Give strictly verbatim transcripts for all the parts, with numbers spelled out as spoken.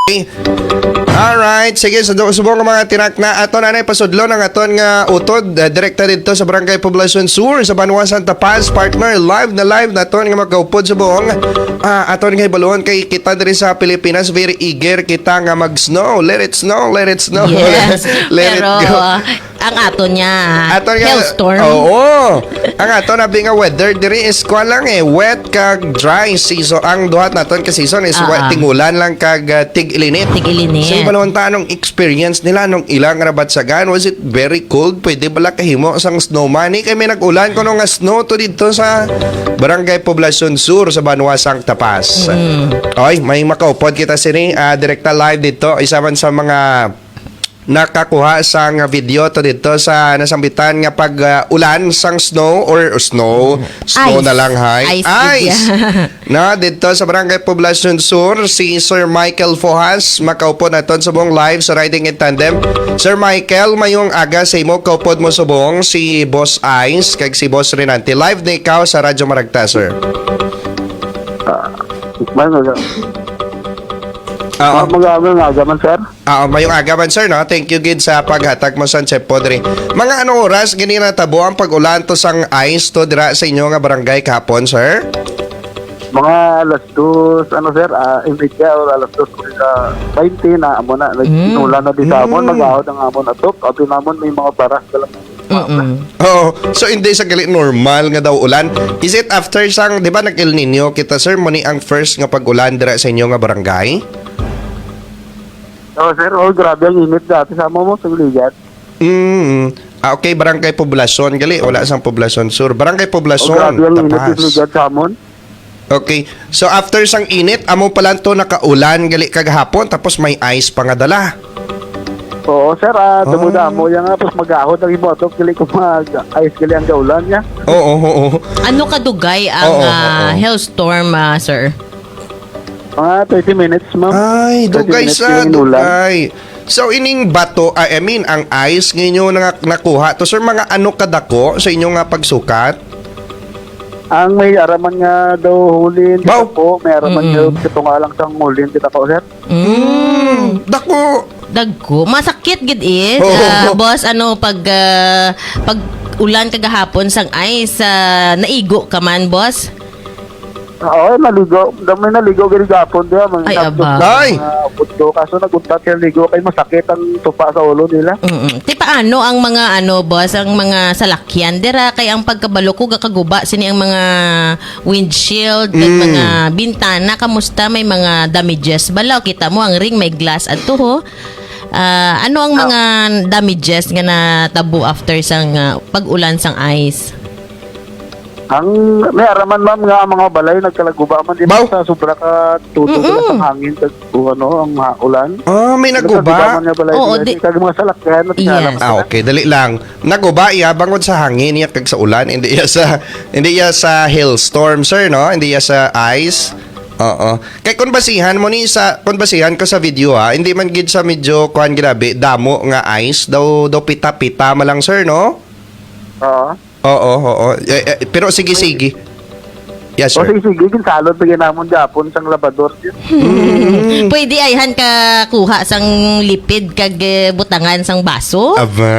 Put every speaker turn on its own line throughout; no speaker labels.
Alright, sige, subong nga mga tinak na aton anay pasudlo ng aton nga utod uh, direkta dito sa Barangay Poblacion Sur sa Banwa Santa Paz, partner live na live na aton nga magkaupod sa buong uh, aton nga ibalon kay kita diri sa Pilipinas, very eager kita nga mag-snow, let it snow, let it snow.
Yes,
let
pero
it go.
uh, ang ato niya
Aton nga,
hailstorm.
Oo. Ang aton nabi nga weather diri is kwa lang eh, wet kag dry season. Ang duhat naton ka season is
Ah,
wet,
ah.
tingulan lang kag uh, tig-ilinit.
Tig-ilinit.
So, balon ta anong experience nila nung ilang rabatsagan? Was it very cold? Pwede bala kahimo sang snowman? Eh, kay may nag-ulan ko nung nga snow to dito sa Barangay Poblacion Sur sa Banwa Santa Paz.
Mm.
Oy, may makaupod kita sini uh, direkta live dito. Isa man sa mga nakakuha sang video to dito sa nasambitan nga pag uh, ulan sang snow or, or snow snow
Ice.
na lang hay
Ice,
ice. Na dito sa Barangay Poblacion Sur si Sir Michael Fohas makaupo naton sa buong live sa Riding in Tandem. Sir Michael, mayong aga sa imo kaupod mo sa buong si Boss Ice kag si Boss Renante live na ikaw sa Radyo Maragta, sir.
Ah, Ano ga?
Oo.
Mag-aamal nga gaman, sir.
Ah, mayong agaban sir, no? Thank you gid sa paghatag mo sa Chef Podre. Mga anong oras gini natabo ang pag-ulan to sang ice to dira sa inyo nga barangay kahapon, sir?
Mga alas dos, ano sir, ah, imidya or alas dos kuri sa twenty na amo na. Nagsinula na di sa amon,
Mm.
mag-ahod ang amon atop. Ato namon may mga baras ka lang.
Mm-mm.
Oo. So hindi sa gali normal nga daw ulan. Is it after sang, di ba nag El Nino kita sir, mo ni ang first nga pag-ulan dira sa inyo nga barangay?
Oh, sir, oh, grabe ang init dati sa amo mo sa Ligat.
Mm. Ah, okay, Barangay Poblacion gali, wala sang Poblacion Sur. Barangay
Oh,
Poblacion,
grabe ang init
Tapas.
sa Ligat sa amon.
Okay. So after sang init, amo pala to nakaulan gali kagahapon tapos may ice pa nga dala.
Oo, sir, ah,
Ah.
damuda mo yan nga, tapos mag-ahod ang ibotok, kili ko mag-ice kili ang gaulan niya.
Oo, oo, oo.
Ano kadugay ang
Oo, oo,
ah,
oo.
hailstorm, ah, sir?
Mga thirty minutes, ma'am.
Ay,
thirty
dugay
minutes
sa
yung inulan.
dugay. So ining bato, I mean ang ice nginyo nga nakuha to sir, mga ano kadako sa inyo nga pagsukat?
Ang may araman nga daw hulin
Bao.
kita po, may araman
Mm-mm.
nga ito nga lang sang hulin kita po, sir.
Mm.
Dako.
Dagko. Masakit gid it.
Oo.
Ah, boss, ano pag ah, pag ulan kagahapon sang ice, ah, naigo ka man, boss?
Oo, naligo. Damay naligo gani gapon diya. Mga
Ay,
sabdo,
aba.
Ay!
mga putdo. Kaso naguntat yung ligo kay masakit ang tupa sa ulo nila.
Mm. Ti paano ang mga ano, boss, ang mga salakyan dira kay ang pagkabalo ko gakaguba sini ang mga windshield, kag
Mm.
mga bintana, kamusta may mga damages balaw kita mo ang ring may glass adto ho. Ah, ano ang mga damages nga natabo after sang ah, pag-ulan sang ice?
Ang may araman ma'am nga ang mga balay nagkalaguba man din
Bao.
sa sobra ka tuto sila sa hangin kag o ano ang ha- ulan.
Ah, may naguba.
Nagkalaguba man nga balay
Oo,
nila,
di-
kag mga salakyan at
Yes.
yes.
Ah, okay, dali lang. Naguba iya bangod sa hangin iya kag sa ulan, hindi iya sa hindi iya sa hailstorm, sir, no? Hindi iya sa ice. Oo. Kay kun basihan mo ni sa kun basihan ko sa video ha, hindi man gid sa medyo kuan grabe damo nga ice daw daw pita-pita ma lang, sir, no?
Oo.
Oo, oo. Eh, eh, pero sige sige. Yes,
O
sir.
sige, sige, kinsalod bigyan namon Japon sang labador.
Mm.
Pwede ayhan ka kuha sang lipid kag eh, butangan sang baso.
Aba.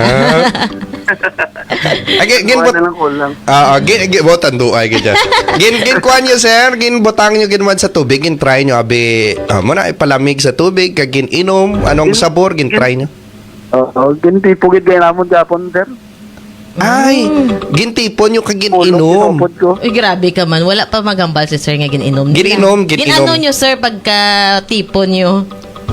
Agi gin
Gin
bot.
na lang ulang.
Ah, ah, gin gin botan do ay gid. Gin gin kuan niyo, sir, gin butang niyo ginwan sa tubig, gin try niyo abi. Ah, mo na ipalamig sa tubig kag gin inom, anong sabor gin try niyo.
Oo, ginti pugid kay namon Japon, sir.
Ay, gintipon niyo kag gin
Ulong
inom.
kinupod ko.
Uy, grabe ka man. Wala pa magambal si sir nga gininom nila.
Gininom, gininom.
Ginano nyo, sir, pagka tipo nyo?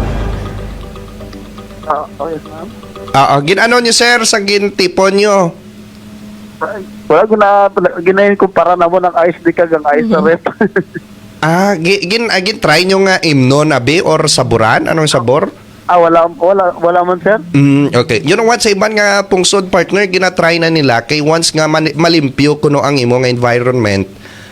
Ah, oh, yes, ma'am.
Ah, ah, gin ano niyo, sir, sa gintipon niyo.
Ay, Wala gina ginayin kumpara na mo ng ice di kag ang ice sa rep.
Ah, gin gin, ah, gin try niyo nga imnon abi or saburan, anong sabor?
ah, wala wala wala man, sir.
Mm, okay. You know what, sa iban nga pungsod partner, ginatry na nila kay once nga man- malimpyo kuno ang imo nga environment,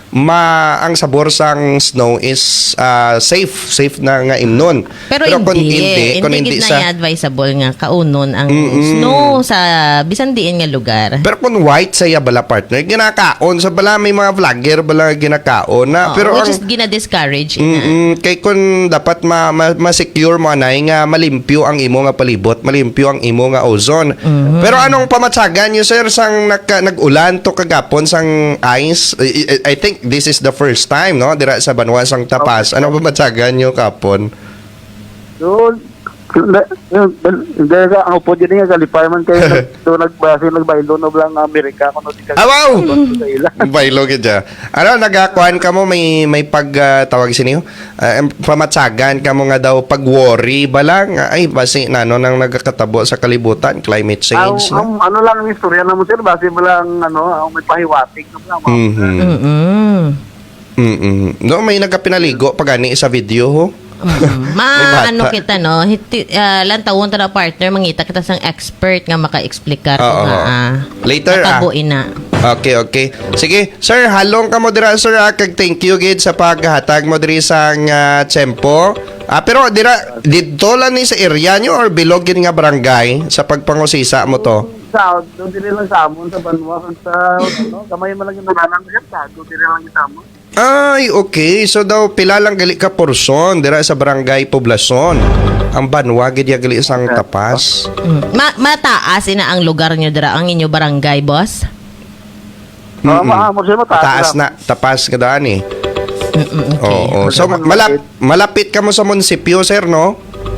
ma ang sabor sang snow is ah, safe, safe na nga imnon.
Pero,
kung
hindi,
hindi, kung
hindi,
hindi
gid na
sa
advisable nga kaunon ang snow sa bisan diin nga lugar.
pero kung white saya bala partner, ginakaon sa bala may mga vlogger bala ginakaon na
Oo,
pero
which
ang
is gina-discourage ina.
Mm, kay kun dapat ma, ma, ma-secure mo anay nga malimpyo ang imo nga palibot, malimpyo ang imo nga ozone.
Mm-hmm.
Pero anong pamatsagan niyo sir sang nagka, nag-ulan to kagapon sang ice? I, I- I think this is the first time no dira sa Banwa sang Tapas. Anong pamatsagan niyo kapon?
Yun, hindi ka, ang upo dyan nga, kalipay man kayo, nag- doon nagbasi, nagbaylo na lang Amerika, kung di ka
Ah, wow!
sa ila.
Baylo kidya. Ano nagakuan ka mo may may pag ah, tawag siniyo? Uh, pamatsagan ka mo nga daw pag worry ba lang ay basi nano nang nagkakatabo sa kalibutan climate
Ang,
change
ang,
no.
ano lang ang istorya na mo sir, base mo lang, ano, ang may pahiwatig na mga
Mhm.
Mm.
Mm. No may nagkapinaligo pag ani sa video ho.
Mm.
May
Ma
bata.
ano kita no, hiti, uh, lantawon ta na partner mangita kita sang expert nga maka-explicar
Oo.
nga ah,
Later ah.
natabuin na.
Okay, okay. Sige, sir, halong ka mo dira sir ah, kag thank you gid sa paghatag mo diri sang uh, tiyempo. Ah, pero dira dito lang ni sa area nyo or bilog gid nga barangay sa pagpangusisa mo to?
sa, doon din lang sa amon, sa Banwa, sa, ano, kamay mo lang yung nananang sir, sa, doon din lang yung amon.
Ay, okay. So daw pila lang gali ka porson dira sa barangay Poblacion. Ang Banwa gid ya gali sang Tapas.
Mm. Ma mataas ina ang lugar nyo dira ang inyo barangay, boss?
Ah, maamor sir, mataas.
Taas
lang.
na Tapas kada ani.
Mm-mm, okay.
Oo. So malap, malapit ka mo sa munisipyo, sir, no?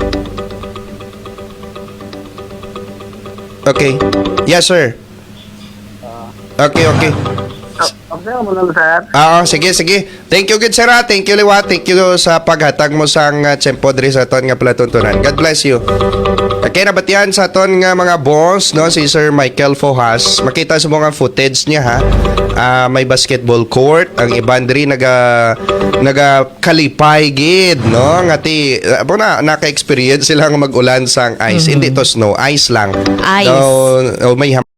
Okay. Yes, sir. Okay, okay.
Ah, okay, mo lang sir.
Ah, sige, sige. Thank you, good sir. ah. Thank you, Liwa. Thank you sa paghatag mo sang uh, tiyempo diri sa ton nga palatuntunan. God bless you. Okay, nabatian sa ton nga mga boss, no, si Sir Michael Fohas. Makita sa mga footage niya, ha. Ah, may basketball court. Ang iban diri naga naga kalipay gid, no? Ngati abo na naka-experience sila nga mag-ulan sang ice. Hindi to snow, ice lang.
Ice.
Daw, oh, may